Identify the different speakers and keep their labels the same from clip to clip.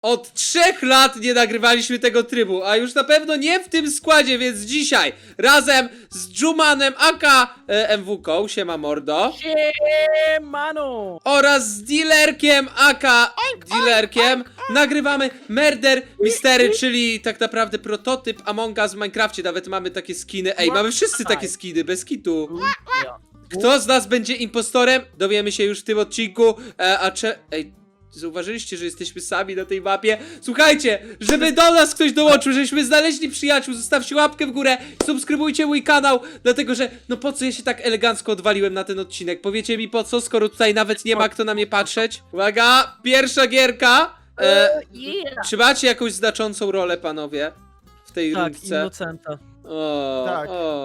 Speaker 1: Od 3 lat nie nagrywaliśmy tego trybu, a już na pewno nie w tym składzie, więc dzisiaj razem z Jumanem aka MWK, siema mordo,
Speaker 2: Siemano!
Speaker 1: oraz z Dealerkiem aka Dealerkiem nagrywamy Murder Mystery, czyli tak naprawdę prototyp Among Us w Minecrafcie. Nawet mamy takie skiny, ej, mamy wszyscy takie skiny, bez kitu. Kto z nas będzie impostorem? Dowiemy się już w tym odcinku, Ej, zauważyliście, że jesteśmy sami na tej mapie? Słuchajcie, żeby do nas ktoś dołączył, żebyśmy znaleźli przyjaciół, zostawcie łapkę w górę, subskrybujcie mój kanał, dlatego że, no po co ja się tak elegancko odwaliłem na ten odcinek? Powiecie mi po co, skoro tutaj nawet nie ma kto na mnie patrzeć? Uwaga, pierwsza gierka. Czy macie jakąś znaczącą rolę, panowie, w tej
Speaker 2: Tak,
Speaker 1: rundce?
Speaker 2: Innocenta.
Speaker 3: Tak.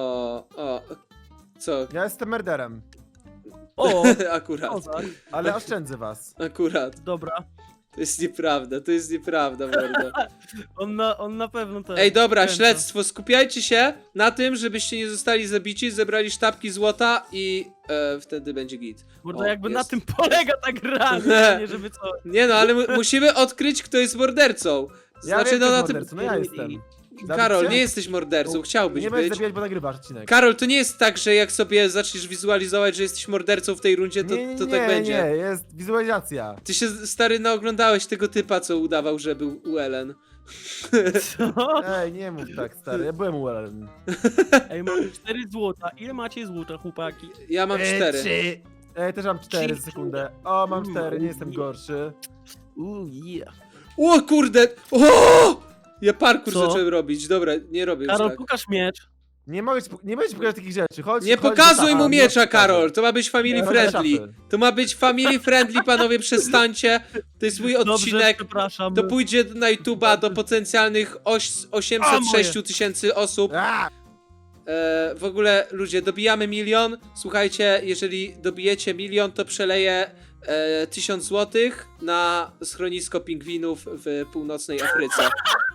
Speaker 1: Co?
Speaker 3: Ja jestem murderem,
Speaker 2: O,
Speaker 1: Akurat,
Speaker 2: kozak.
Speaker 3: ale oszczędzę was.
Speaker 1: akurat.
Speaker 2: Dobra.
Speaker 1: To jest nieprawda, mordo.
Speaker 2: On na pewno też.
Speaker 1: Ej, dobra,
Speaker 2: kręca.
Speaker 1: śledztwo. Skupiajcie się na tym, żebyście nie zostali zabici, zebrali sztabki złota i wtedy będzie git.
Speaker 2: Mordo,
Speaker 1: O,
Speaker 2: jakby na
Speaker 1: jest.
Speaker 2: tym polega ta gra, nie żeby co.
Speaker 1: Nie no, ale musimy odkryć, kto jest mordercą.
Speaker 3: Ja
Speaker 1: Znaczy,
Speaker 3: wiem,
Speaker 1: no
Speaker 3: kto
Speaker 1: na
Speaker 3: jest
Speaker 1: tym...
Speaker 3: mordercą, no ja jestem.
Speaker 1: Karol,
Speaker 3: Zabicie?
Speaker 1: nie jesteś mordercą, chciałbyś
Speaker 3: Nie będę
Speaker 1: być.
Speaker 3: zabijać, bo nagrywasz odcinek.
Speaker 1: Karol, to nie jest tak, że jak sobie zaczniesz wizualizować, że jesteś mordercą w tej rundzie, to tak będzie.
Speaker 3: Nie, jest wizualizacja.
Speaker 1: Ty się, stary, naoglądałeś tego typa, co udawał, że był u Ellen.
Speaker 2: Co?
Speaker 3: Ej, nie mów tak, stary, ja byłem ULM.
Speaker 2: Ej, mam 4 złota. Ile macie złota, chłopaki?
Speaker 1: Ja mam 4.
Speaker 3: Ej, też mam 4 za sekundę. O, mam 4, nie jestem gorszy.
Speaker 2: Yeah.
Speaker 1: O kurde! O! Ja parkour
Speaker 2: Co?
Speaker 1: zacząłem robić. Dobra, nie robię już
Speaker 2: Karol,
Speaker 1: tak.
Speaker 2: pokaż miecz.
Speaker 3: Nie mogę ci pokazać takich rzeczy, chodź.
Speaker 1: Nie
Speaker 3: chodź
Speaker 1: pokazuj
Speaker 3: do
Speaker 1: mu
Speaker 3: szafy.
Speaker 1: miecza, Karol! To ma być family
Speaker 3: Nie,
Speaker 1: friendly.
Speaker 3: szafy.
Speaker 1: To ma być family friendly, panowie, przestańcie. To jest mój
Speaker 2: Dobrze,
Speaker 1: odcinek.
Speaker 2: przepraszam.
Speaker 1: To pójdzie na YouTube'a do potencjalnych 806 tysięcy osób.
Speaker 3: A!
Speaker 1: W ogóle, ludzie, dobijamy 1 000 000. Słuchajcie, jeżeli dobijecie 1 000 000, to przeleję 1000 złotych na schronisko pingwinów w północnej Afryce.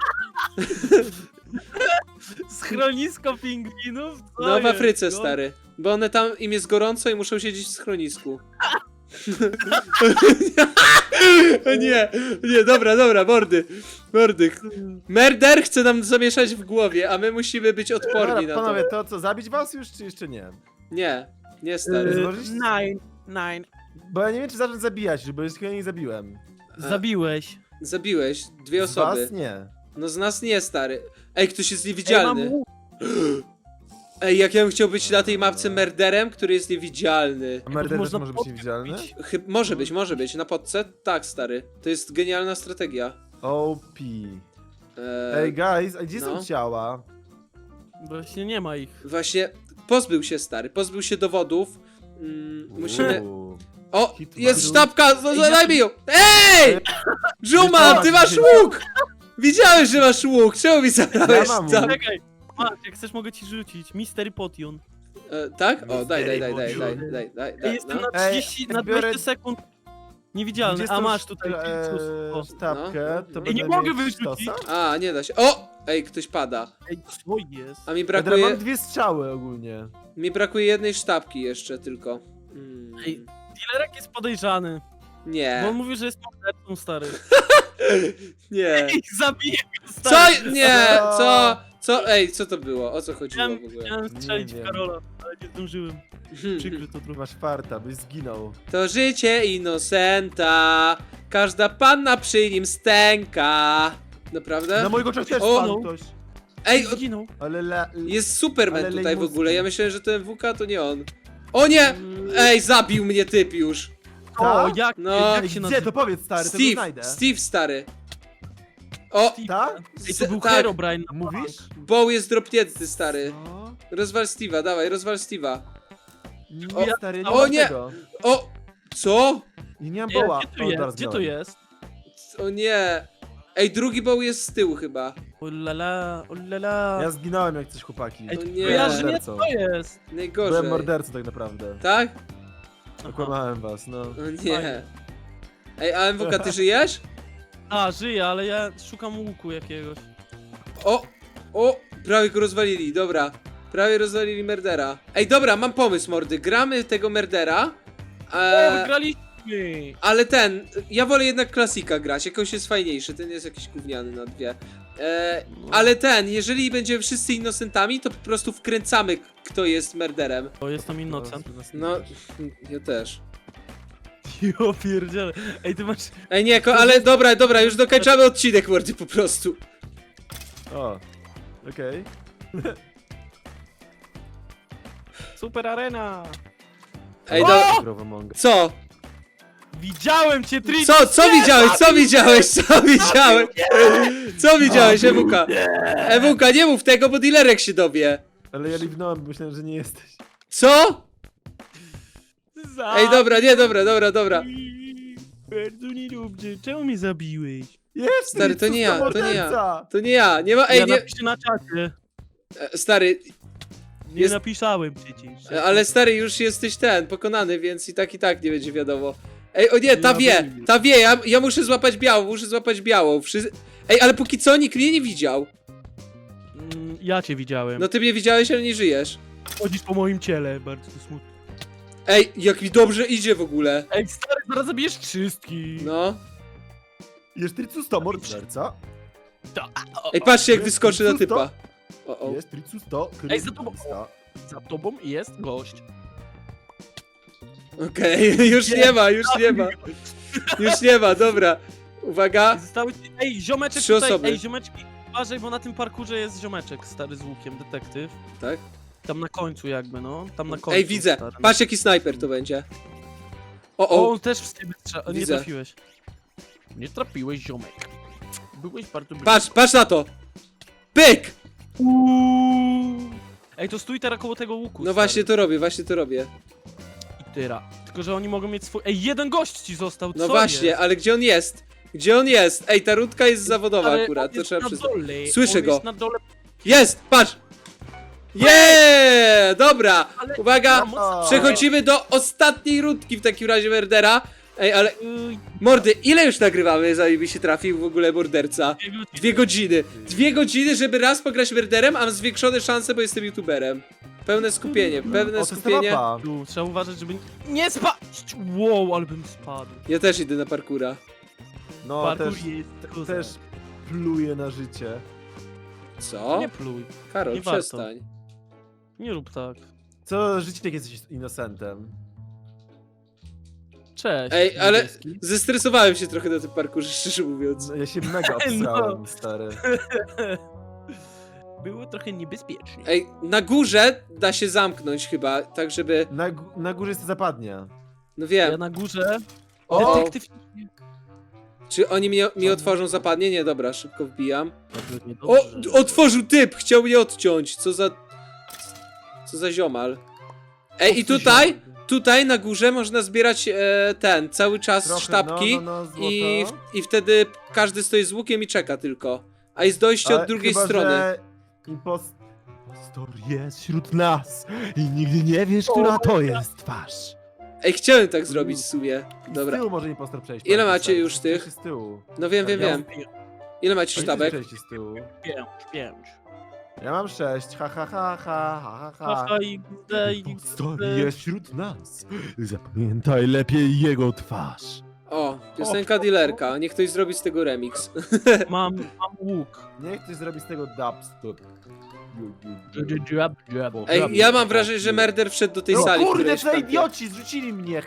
Speaker 2: Schronisko pingwinów? Co
Speaker 1: No w
Speaker 2: jest?
Speaker 1: Afryce,
Speaker 2: No.
Speaker 1: stary. Bo one tam, im jest gorąco i muszą siedzieć w schronisku. nie, dobra, mordy. Murder chce nam zamieszać w głowie, a my musimy być odporni na
Speaker 3: Dobra,
Speaker 1: to.
Speaker 3: panowie, to co, zabić was już, czy jeszcze nie?
Speaker 1: Nie, stary.
Speaker 3: Złożyć?
Speaker 2: Nine.
Speaker 3: Bo ja nie wiem, czy zacząć zabijać, bo jeszcze nie zabiłem.
Speaker 2: Zabiłeś.
Speaker 1: Zabiłeś 2
Speaker 3: Z
Speaker 1: osoby.
Speaker 3: was nie.
Speaker 1: No z nas nie, stary. Ej, ktoś jest
Speaker 2: Ej,
Speaker 1: niewidzialny.
Speaker 2: mam łuk.
Speaker 1: Ej, jak ja bym chciał być na tej mapce murderem, który jest niewidzialny.
Speaker 3: A murder też
Speaker 2: można
Speaker 3: może być
Speaker 2: podbić.
Speaker 3: niewidzialny?
Speaker 1: Może być, na podce? Tak, stary. To jest genialna strategia.
Speaker 3: OP. Ej, guys, a gdzie
Speaker 1: no.
Speaker 3: są ciała?
Speaker 2: Właśnie nie ma ich.
Speaker 1: Właśnie, pozbył się, stary, pozbył się dowodów. Musimy...
Speaker 3: Uuu.
Speaker 1: O,
Speaker 3: Hitman.
Speaker 1: jest sztabka,
Speaker 2: Ej,
Speaker 1: zadaj ją! Ej! Juman, ty masz łuk! Widziałem, że masz łuk, czemu mi zabrałeś
Speaker 3: Ja mam
Speaker 1: tam?
Speaker 3: łuk.
Speaker 2: Czekaj. Masz, jak chcesz mogę ci rzucić. Mystery Potion.
Speaker 1: Tak? O, daj,
Speaker 2: Ej, jestem
Speaker 1: no.
Speaker 2: na 30, na
Speaker 3: biorę
Speaker 2: 20 sekund niewidzialny.
Speaker 3: 20
Speaker 2: A masz tutaj
Speaker 3: sztabkę, sztabkę, to
Speaker 1: No.
Speaker 3: będę
Speaker 2: nie mogę
Speaker 3: mieć
Speaker 2: wyrzucić.
Speaker 3: sztosa?
Speaker 1: A, nie da się. O! Ej, ktoś pada.
Speaker 2: Ej, co jest?
Speaker 1: A mi
Speaker 3: Dobra,
Speaker 1: brakuje...
Speaker 3: mam 2 strzały ogólnie.
Speaker 1: Mi brakuje jednej sztabki jeszcze tylko.
Speaker 2: Ej. Dealerek jest podejrzany. Bo
Speaker 1: Nie.
Speaker 2: on mówi, że jest mordercą, stary.
Speaker 1: Nie.
Speaker 2: Ej, zabiję go,
Speaker 1: Co?
Speaker 2: stary.
Speaker 1: Nie, co? Co? Ej, co to było? O co chodziło w ogóle?
Speaker 2: Chciałem strzelić
Speaker 3: Nie
Speaker 2: w
Speaker 3: wiem.
Speaker 2: Karola, ale nie zdążyłem. Przykry to trochę.
Speaker 3: Masz farta, byś zginął.
Speaker 1: To życie Innocenta. Każda panna przy nim stęka. Naprawdę?
Speaker 3: Na mojego czasu też
Speaker 1: O!
Speaker 3: spadł ktoś.
Speaker 1: Ej,
Speaker 2: Zginął.
Speaker 3: Ale
Speaker 1: jest Superman
Speaker 3: Ale
Speaker 1: tutaj w
Speaker 3: lejmuski.
Speaker 1: ogóle. Ja myślałem, że to MWK to nie on. O nie! Ej, zabił mnie typ już.
Speaker 2: O,
Speaker 3: Tak?
Speaker 2: jak,
Speaker 1: No.
Speaker 2: jak się
Speaker 3: Gdzie?
Speaker 2: nazywa?
Speaker 3: To powiedz, stary, to go znajdę.
Speaker 1: Steve stary. O,
Speaker 2: Steve.
Speaker 3: Tak?
Speaker 2: Ej, to był
Speaker 1: tak.
Speaker 2: Herobrine.
Speaker 3: Mówisz?
Speaker 1: Bow jest dropnięty, stary.
Speaker 3: Co?
Speaker 1: Rozwal Steve'a, dawaj, rozwal Steve'a.
Speaker 3: Nie,
Speaker 2: ja-
Speaker 3: stary, nie
Speaker 1: o
Speaker 3: mam
Speaker 1: nie!
Speaker 3: tego.
Speaker 1: O! Co?
Speaker 3: Nie mam
Speaker 2: Gdzie
Speaker 3: boła.
Speaker 2: to jest? Gdzie to jest?
Speaker 1: O nie. Ej, drugi bow jest z tyłu chyba.
Speaker 2: Ulala, ulala.
Speaker 3: Ja zginąłem jak coś, chłopaki.
Speaker 2: Ej,
Speaker 1: O
Speaker 2: to
Speaker 1: nie.
Speaker 2: kojarzy mnie,
Speaker 3: Mordercą.
Speaker 2: co to jest?
Speaker 1: Najgorzej.
Speaker 3: Byłem mordercą tak naprawdę.
Speaker 1: Tak?
Speaker 3: Okłamałem was, no.
Speaker 1: O nie. Ej, a MWK, ty żyjesz?
Speaker 2: A, żyję, ale ja szukam łuku jakiegoś.
Speaker 1: O! O! Prawie go rozwalili, dobra. Prawie rozwalili merdera. Ej, dobra, mam pomysł, mordy. Gramy tego merdera.
Speaker 2: O, wygrali!
Speaker 1: Ale ja wolę jednak klasika grać, jakoś jest fajniejszy, ten jest jakiś gówniany na dwie. Ale jeżeli będziemy wszyscy innocentami, to po prostu wkręcamy, kto jest murderem.
Speaker 2: O, jestem innocent.
Speaker 1: No, ja też.
Speaker 2: Jo, pierdziele. Ej, ty masz...
Speaker 1: Ej, nie, ale dobra, już dokończamy odcinek, mordy, po prostu.
Speaker 3: O, okej.
Speaker 2: Super arena!
Speaker 1: Ej,
Speaker 3: Grow Among Us.
Speaker 1: co?
Speaker 2: Widziałem cię, Tris!
Speaker 1: Co widziałeś? Co widziałeś? Co widziałeś? Co widziałeś, Ewuka? Ewuka, nie mów tego, bo dealerek się dowie.
Speaker 3: Ale ja liwnąłem, bo myślałem, że nie jesteś.
Speaker 1: Co? Ej, dobra, nie, dobra.
Speaker 2: Bardzo niedobrze. Czemu mnie zabiłeś?
Speaker 3: Jest,
Speaker 1: Stary, to nie ja, to nie ja.
Speaker 3: morderca!
Speaker 1: To nie ja, nie ma,
Speaker 2: Ja
Speaker 1: nie.
Speaker 2: napiszę na czacie.
Speaker 1: Stary,
Speaker 2: Nie
Speaker 1: Jest-
Speaker 2: napisałem przecież.
Speaker 1: ale stary, już jesteś pokonany, więc i tak nie będzie wiadomo. Ej, o nie, ta wie, ja muszę złapać białą, Ej, ale póki co nikt mnie nie widział.
Speaker 2: Ja cię widziałem.
Speaker 1: No ty mnie widziałeś, ale nie żyjesz.
Speaker 2: Chodzisz po moim ciele, bardzo to smutno.
Speaker 1: Ej, jak mi dobrze idzie w ogóle.
Speaker 2: Ej, stary, zaraz zabijesz wszystkich.
Speaker 1: No.
Speaker 3: Jest Tricus to morderca?
Speaker 1: Ej, patrzcie jak wyskoczy na typa. O.
Speaker 3: Jest Tricus to
Speaker 2: Ej, za tobą.
Speaker 3: kryminalista.
Speaker 2: Za tobą jest gość.
Speaker 1: Okej, już nie ma, dobra. Uwaga.
Speaker 2: Zostały... Ej, ziomeczek
Speaker 1: Trzy
Speaker 2: tutaj,
Speaker 1: osoby.
Speaker 2: ej, ziomeczki, uważaj, bo na tym parkurze jest ziomeczek stary z łukiem, detektyw.
Speaker 1: Tak?
Speaker 2: Tam na końcu jakby, no, tam na końcu.
Speaker 1: Ej, widzę.
Speaker 2: stary.
Speaker 1: Patrz jaki snajper to będzie.
Speaker 2: O,
Speaker 1: O.
Speaker 2: on też w stybie strzela. Nie
Speaker 1: Widzę.
Speaker 2: trafiłeś. Nie trafiłeś, ziomek. Byłeś bardzo blisko.
Speaker 1: Patrz na to. Pyk!
Speaker 2: Ej, to stój teraz koło tego łuku.
Speaker 1: No
Speaker 2: stary.
Speaker 1: właśnie to robię.
Speaker 2: I tyra. Tylko, że oni mogą mieć swój... Ej, jeden gość ci został,
Speaker 1: No
Speaker 2: co
Speaker 1: właśnie,
Speaker 2: jest?
Speaker 1: ale gdzie on jest? Ej, ta rundka jest zawodowa
Speaker 2: Ale
Speaker 1: akurat,
Speaker 2: on
Speaker 1: to
Speaker 2: jest
Speaker 1: trzeba
Speaker 2: na
Speaker 1: przyznać.
Speaker 2: dole,
Speaker 1: Słyszę
Speaker 2: on
Speaker 1: go.
Speaker 2: Jest na dole.
Speaker 1: Jest, patrz! Jeee! Dobra,
Speaker 2: Ale-
Speaker 1: uwaga,
Speaker 3: O.
Speaker 1: przechodzimy do ostatniej rundki w takim razie murdera. Ej, ale
Speaker 2: Ej,
Speaker 1: mordy, ile już nagrywamy, zanim mi się trafił w ogóle morderca? 2 godziny. 2 godziny, żeby raz pograć murderem, a mam zwiększone szanse, bo jestem youtuberem. Pełne skupienie,
Speaker 3: O,
Speaker 1: pewne
Speaker 3: to jest ta
Speaker 1: skupienie.
Speaker 3: mapa.
Speaker 2: Tu, trzeba uważać, żeby nie spaść! Wow, ale bym spadł.
Speaker 1: Ja też idę na parkura.
Speaker 3: No,
Speaker 2: Parkour
Speaker 3: też,
Speaker 2: jest kozak.
Speaker 3: też pluje na życie.
Speaker 1: Co?
Speaker 2: Nie pluj,
Speaker 1: Karol,
Speaker 2: nie warto.
Speaker 1: przestań.
Speaker 2: nie rób tak.
Speaker 3: Co życie, jak jesteś innocentem?
Speaker 2: Cześć.
Speaker 1: Ej, ale
Speaker 2: niebieski.
Speaker 1: zestresowałem się trochę na tym parkurze, szczerze mówiąc.
Speaker 3: No, ja się mega obsrałem, stary.
Speaker 2: Było trochę niebezpiecznie.
Speaker 1: Ej, na górze da się zamknąć chyba, tak żeby...
Speaker 3: Na górze jest zapadnia.
Speaker 1: No
Speaker 2: Ja
Speaker 1: wiem,
Speaker 2: na górze.
Speaker 3: O!
Speaker 2: Detektyw.
Speaker 1: czy oni mi otworzą zapadnie? Nie, dobra, szybko wbijam.
Speaker 2: Bardzo
Speaker 1: O,
Speaker 2: niedobrze.
Speaker 1: otworzył typ, chciał mnie odciąć, co za ziomal. Ej, i tutaj na górze można zbierać cały czas
Speaker 3: Trochę,
Speaker 1: sztabki
Speaker 3: złoto.
Speaker 1: i wtedy każdy stoi z łukiem i czeka tylko. A jest dojście
Speaker 3: Ale
Speaker 1: od drugiej
Speaker 3: chyba,
Speaker 1: strony.
Speaker 3: że Impostor jest wśród nas i nigdy nie wiesz, która to jest twarz.
Speaker 1: Ej, chciałem tak zrobić w sumie. Dobra.
Speaker 3: Z tyłu może impostor przejść.
Speaker 1: Ile
Speaker 3: pamiętaj,
Speaker 1: macie
Speaker 3: stary,
Speaker 1: już
Speaker 3: przejście
Speaker 1: tych?
Speaker 3: Z tyłu.
Speaker 1: No wiem. Ile macie sztabek?
Speaker 3: Przejście z tyłu.
Speaker 2: 5.
Speaker 3: Ja mam 6, ha ha ha ha ha ha.
Speaker 2: Haha i guzdę i
Speaker 3: Impostor
Speaker 2: guzdę.
Speaker 3: jest wśród nas. Zapamiętaj lepiej jego twarz.
Speaker 1: O, piosenka dealerka. Niech ktoś zrobi z tego remix.
Speaker 2: Mam łuk.
Speaker 3: Niech ktoś zrobi z tego dubstep.
Speaker 1: Ej, ja mam wrażenie, że Murder wszedł do tej
Speaker 3: No
Speaker 1: sali, w
Speaker 3: kurde,
Speaker 1: której
Speaker 3: co idioci, zrzucili mnie.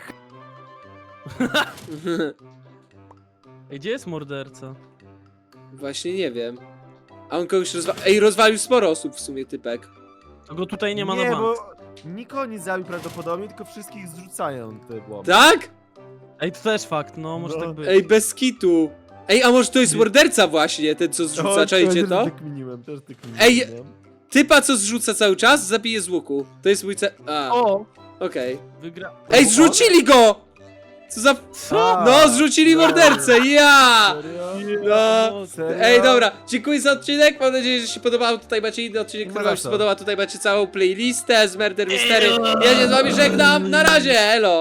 Speaker 2: Ej, gdzie jest morderca?
Speaker 1: Właśnie nie wiem. A on kogoś rozwalił sporo osób w sumie, typek.
Speaker 2: To go tutaj nie ma
Speaker 3: Nie,
Speaker 2: na bank.
Speaker 3: bo nikogo nie zabił prawdopodobnie, tylko wszystkich zrzucają te bomby.
Speaker 1: Tak?
Speaker 2: Ej, to też fakt, no może tak być.
Speaker 1: Ej, bez kitu. Ej, a może to jest morderca właśnie, ten co zrzuca, czajcie to?
Speaker 3: Też kminiłem.
Speaker 1: Ej, typa co zrzuca cały czas, zabije z łuku. To jest mój
Speaker 2: O!
Speaker 1: okej.
Speaker 2: Wygra...
Speaker 1: Ej, zrzucili go! Co za...
Speaker 2: Co?
Speaker 1: No, zrzucili mordercę, ja! No.
Speaker 3: Serio?
Speaker 1: Ej, dobra, dziękuję za odcinek, mam nadzieję, że się podobał, tutaj macie inny odcinek, który
Speaker 3: Ma
Speaker 1: wam
Speaker 3: za
Speaker 1: się
Speaker 3: co.
Speaker 1: podoba, tutaj macie całą playlistę z Murder Mystery. Ja się z wami żegnam, na razie, elo!